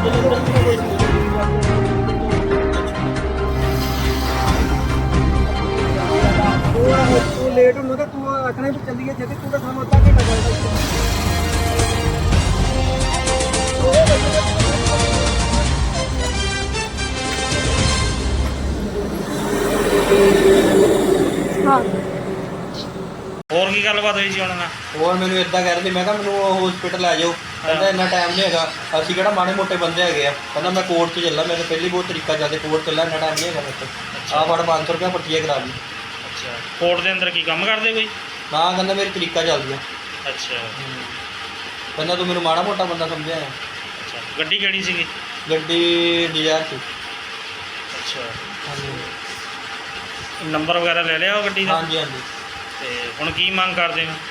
तू लेट होना तो तू आखना भी चलिए जल्दी तू तो सामने अद्धा घंटा चलता ਹੋਰ ਕੀ ਗੱਲਬਾਤ ਹੋਈ ਸੀ ਉਹਨਾਂ ਨਾਲ? ਹੋਰ ਮੈਨੂੰ ਇਦਾਂ ਕਹਿ ਰਹੇ ਸੀ, ਮੈਂ ਕਿਹਾ ਮੈਨੂੰ ਹਸਪੀਟਲ ਲੈ ਜਾਓ। ਕਹਿੰਦਾ ਇੰਨਾ ਟਾਈਮ ਨਹੀਂ ਹੈਗਾ, ਅਸੀਂ ਕਿਹੜਾ ਮਾੜੇ ਮੋਟੇ ਬੰਦੇ ਹੈਗੇ ਆ। ਕਹਿੰਦਾ ਮੈਂ ਕੋਰਟ 'ਚ ਚੱਲਾਂ, ਮੇਰੇ ਪਹਿਲੀ ਬਹੁਤ ਤਰੀਕਾ ਚੱਲਦੇ ਕੋਰਟ ਚੱਲਾਂ, ਇੰਨਾ ਟਾਈਮ ਨਹੀਂ ਹੈਗਾ ਮੇਰੇ ਕੋਲ। ਆਹ ਫੜ 500 ਰੁਪਇਆ ਪਰਚੀ ਕਰਾ ਲਈ। ਅੱਛਾ, ਕੋਰਟ ਦੇ ਅੰਦਰ ਕੀ ਕੰਮ ਕਰਦੇ ਕੋਈ? ਨਾ ਕਹਿੰਦਾ ਮੇਰੀ ਤਰੀਕਾ ਚੱਲਦੀ ਆ। ਅੱਛਾ, ਕਹਿੰਦਾ ਤੂੰ ਮੈਨੂੰ ਮਾੜਾ ਮੋਟਾ ਬੰਦਾ ਸਮਝਿਆ ਆ। ਅੱਛਾ, ਗੱਡੀ ਕਿਹੜੀ ਸੀਗੀ? ਗੱਡੀ ਡਿਜ਼ਾਇਰ ਸੀ। ਅੱਛਾ, ਹਾਂਜੀ ਨੰਬਰ ਵਗੈਰਾ ਲੈ ਲਿਆ ਉਹ ਗੱਡੀ ਦਾ? ਹਾਂਜੀ ਹਾਂਜੀ। ਤੇ ਹੁਣ ਕੀ ਮੰਗ ਕਰਦੇ ਨੇ?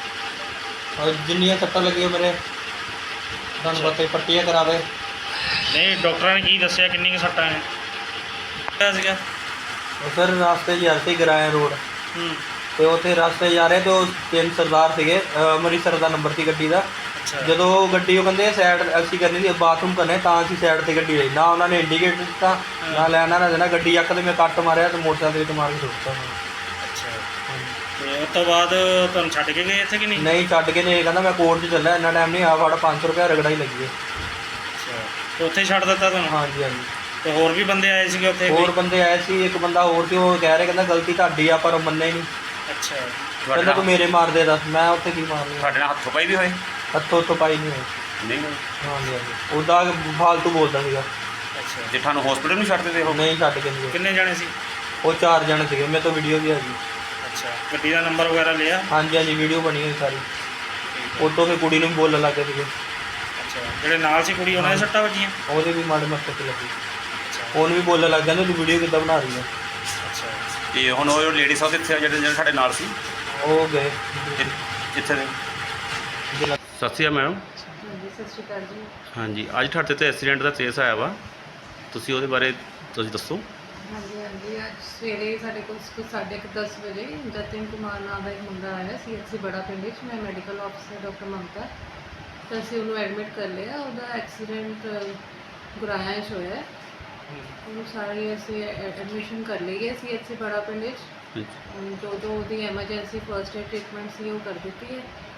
ਔਰ ਜਿੰਨੀਆਂ ਸੱਟਾਂ ਲੱਗੀਆਂ ਮੇਰੇ ਤੁਹਾਨੂੰ ਪਤਾ ਹੀ ਪਰਚੀਆਂ ਕਰਾਵੇ। ਨਹੀਂ, ਡਾਕਟਰਾਂ ਨੇ ਕੀ ਦੱਸਿਆ ਕਿੰਨੀ ਕੁ ਸੱਟਾਂ ਨੇ? ਕਿਹਾ ਸੀਗਾ ਉਹ ਸਰ ਰਾਸਤੇ 'ਚ ਜਾ ਰਹੇ ਸੀ ਗਰਾਇਆ ਰੋਡ, ਤੇ ਉੱਥੇ ਰਸਤੇ 'ਚ ਜਾ ਰਹੇ ਤੇ ਉਹ 3 ਸਰਦਾਰ ਸੀਗੇ, ਅੰਮ੍ਰਿਤਸਰ ਦਾ ਨੰਬਰ ਸੀ ਗੱਡੀ ਦਾ। ਜਦੋਂ ਗੱਡੀ ਉਹ ਕਹਿੰਦੇ ਸਾਈਡ ਅਸੀਂ ਕਰਨੀ ਸੀ, ਬਾਥਰੂਮ ਕਰਨੇ, ਤਾਂ ਅਸੀਂ ਸਾਈਡ ਤੇ ਗੱਡੀ ਲਈ ਨਾ ਉਹਨਾਂ ਨੇ ਇੰਡੀਕੇਟਰ ਦਿੱਤਾ ਨਾ ਲੈਣਾ ਨਾ ਦੇਣਾ। ਗੱਡੀ ਯੱਕ ਤੇ ਮੈਂ ਕੱਟ ਮਾਰਿਆ ਤੇ ਮੋਟਰਸਾਈਕਲ ਵਿੱਚ ਮਾਰ ਕੇ ਸੁੱਟਤਾ। ਅੱਛਾ, ਤੇ ਉਸ ਤੋਂ ਬਾਅਦ ਤੁਹਾਨੂੰ ਛੱਡ ਕੇ ਗਏ ਇੱਥੇ ਕਿ ਨਹੀਂ? ਨਹੀਂ ਛੱਡ ਕੇ ਨਹੀਂ, ਕਹਿੰਦਾ ਮੈਂ ਕੋਰਟ 'ਚ ਚੱਲਿਆ, ਇੰਨਾ ਟਾਈਮ ਨਹੀਂ ਆ। ਫੜ 500 ਰੁਪਇਆ ਰਗੜਾ ਹੀ ਲੱਗੀ ਹੈ। ਅੱਛਾ, ਤੇ ਉੱਥੇ ਛੱਡ ਦਿੱਤਾ ਤੁਹਾਨੂੰ? ਹਾਂਜੀ ਹਾਂਜੀ। ਤੇ ਹੋਰ ਵੀ ਬੰਦੇ ਆਏ ਸੀਗੇ ਉੱਥੇ? ਹੋਰ ਬੰਦੇ ਆਏ ਸੀ, ਇੱਕ ਬੰਦਾ ਹੋਰ ਸੀ, ਉਹ ਕਹਿ ਰਿਹਾ ਕਹਿੰਦਾ ਗਲਤੀ ਤੁਹਾਡੀ ਆ, ਪਰ ਉਹ ਮੰਨੇ ਹੀ ਨਹੀਂ। ਅੱਛਾ, ਕਹਿੰਦਾ ਤੂੰ ਮੇਰੇ ਮਾਰ ਦੇ ਦੱਸ, ਮੈਂ ਉੱਥੇ ਕੀ ਮਾਰਨੀ। ਤੁਹਾਡੇ ਨਾਲ ਹੱਥੋਂ ਪਾਈ ਵੀ ਹੋਏ? ਹੱਥੋਂ ਪਾਈ ਨਹੀਂ ਹੋਈ। ਨਹੀਂ ਹੋਈ। ਹਾਂਜੀ ਹਾਂਜੀ, ਉਹਦਾ ਫਾਲਤੂ ਬੋਲਦਾ ਸੀਗਾ। ਅੱਛਾ, ਜੇ ਤੁਹਾਨੂੰ ਹਸਪੀਟਲ ਨੂੰ ਛੱਡ ਦਿੰਦੇ ਹੋ? ਨਹੀਂ ਛੱਡ ਕੇ ਨਹੀਂ ਗਏ। ਕਿੰਨੇ ਜਾਣੇ ਸੀ? ਉਹ 4 ਜਣੇ ਸੀਗੇ, ਮੇਰੇ ਤੋਂ ਵੀਡੀਓ ਵੀ ਹੈਗੀ। ਅੱਛਾ, ਗੱਡੀ ਦਾ ਨੰਬਰ ਵਗੈਰਾ ਲਿਆ? ਹਾਂਜੀ ਹਾਂਜੀ, ਵੀਡੀਓ ਬਣੀ ਹੋਈ ਸਾਰੀ। ਉਦੋਂ ਫਿਰ ਕੁੜੀ ਨੂੰ ਵੀ ਬੋਲਣ ਲੱਗ ਗਏ ਸੀਗੇ। ਅੱਛਾ, ਜਿਹੜੇ ਨਾਲ ਸੀ ਕੁੜੀ ਉਹਨਾਂ ਦੇ ਸੱਟਾਂ ਵੱਜੀਆਂ? ਉਹਦੇ ਵੀ ਮਾੜੇ ਮੱਥੇ 'ਤੇ ਲੱਗੀ। ਅੱਛਾ, ਉਹਨੂੰ ਵੀ ਬੋਲਣ ਲੱਗ ਜਾਂਦੇ ਤੂੰ ਵੀਡੀਓ ਕਿੱਦਾਂ ਬਣਾ ਰਹੀ ਹੈ। ਅੱਛਾ, ਤੇ ਹੁਣ ਉਹ ਲੇਡੀ ਸਾਹਿਬ ਇੱਥੇ ਜਿਹੜੇ ਸਾਡੇ ਨਾਲ ਸੀ ਉਹ ਗਏ ਜਿੱਥੇ ਦੇ? ਜ਼ਿਲ੍ਹਾ। ਸਤਿ ਸ਼੍ਰੀ ਅਕਾਲ ਮੈਡਮ। ਹਾਂਜੀ, ਸਤਿ ਸ਼੍ਰੀ ਅਕਾਲ ਜੀ। ਹਾਂਜੀ, ਅੱਜ ਤੁਹਾਡੇ ਤੇ ਐਕਸੀਡੈਂਟ ਦਾ ਕੇਸ ਆਇਆ ਵਾ, ਤੁਸੀਂ ਉਹਦੇ ਬਾਰੇ ਤੁਸੀਂ ਦੱਸੋ। ਹਾਂਜੀ ਹਾਂਜੀ, ਅੱਜ ਸਵੇਰੇ ਸਾਡੇ ਕੋਲ 10:30 ਵਜੇ ਜਤਿਨ ਕੁਮਾਰ ਨਾਮ ਦਾ ਇੱਕ ਮੁੰਡਾ ਆਇਆ ਸੀ ਅਸੀਂ ਬੜਾ ਪਿੰਡ ਵਿੱਚ। ਮੈਂ ਮੈਡੀਕਲ ਆਫਿਸਰ ਡਾਕਟਰ ਮਮਤਾ, ਤਾਂ ਅਸੀਂ ਉਹਨੂੰ ਐਡਮਿਟ ਕਰ ਲਿਆ। ਉਹਦਾ ਐਕਸੀਡੈਂਟ ਗੁਰਾਇਆ 'ਚ ਹੋਇਆ ਹੈ। ਉਹਨੂੰ ਸਾਰੀ ਅਸੀਂ ਐਡਮਿਸ਼ਨ ਕਰ ਲਈ ਹੈ ਅਸੀਂ ਇੱਥੇ ਬੜਾ ਪਿੰਡ ਵਿੱਚ। ਜੋ ਉਹਦੀ ਐਮਰਜੈਂਸੀ ਫਰਸਟ ਏਡ ਟ੍ਰੀਟਮੈਂਟ ਸੀ ਉਹ ਕਰ ਦਿੱਤੀ ਹੈ।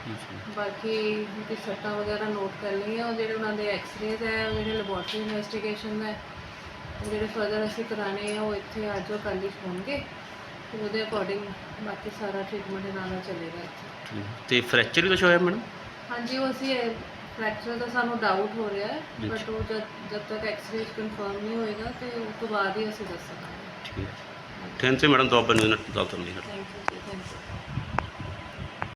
ਬਾਕੀ ਉਹਦੀ ਸੱਟਾਂ ਵਗੈਰਾ ਨੋਟ ਕਰ ਲਈਆਂ। ਉਹ ਜਿਹੜੇ ਉਹਨਾਂ ਦੇ ਐਕਸਰੇਜ਼ ਹੈ, ਉਹ ਜਿਹੜੇ ਲੈਬੋਰਟਰੀ ਇਨਵੈਸਟੀਗੇਸ਼ਨ ਹੈ, ਉਹ ਜਿਹੜੇ ਫਰਦਰ ਅਸੀਂ ਕਰਾਣੇ ਆ ਉਹ ਇੱਥੇ ਅੱਜ ਉਹ ਕੱਲ੍ਹ ਹੀ ਹੋਣਗੇ। ਫਿਰ ਉਹਦੇ ਅਕੋਰਡਿੰਗ ਬਾਕੀ ਸਾਰਾ ਟ੍ਰੀਟਮੈਂਟ ਇਹਨਾਂ ਦਾ ਚੱਲੇਗਾ ਇੱਥੇ। ਤੇ ਫ੍ਰੈਕਚਰ ਵੀ ਕੁਛ ਹੋਇਆ ਮੈਡਮ? ਹਾਂਜੀ, ਉਹ ਅਸੀਂ ਫ੍ਰੈਕਚਰ ਦਾ ਸਾਨੂੰ ਡਾਊਟ ਹੋ ਰਿਹਾ ਹੈ, ਬਟ ਉਹ ਜਦ ਤੱਕ ਐਕਸਰੇ ਕਨਫਰਮ ਨਹੀਂ ਹੋਏਗਾ ਤੇ ਉਸ ਤੋਂ ਬਾਅਦ ਹੀ ਅਸੀਂ ਦੱਸ ਸਕਾਂਗੇ। ਠੀਕ, ਥੈਂਕ ਯੂ ਮੈਡਮ, ਤੋਂ ਆਪਾਂ ਨੂੰ ਗੱਲ ਕਰਨੀ ਹੈ। Thank you ji, thank you.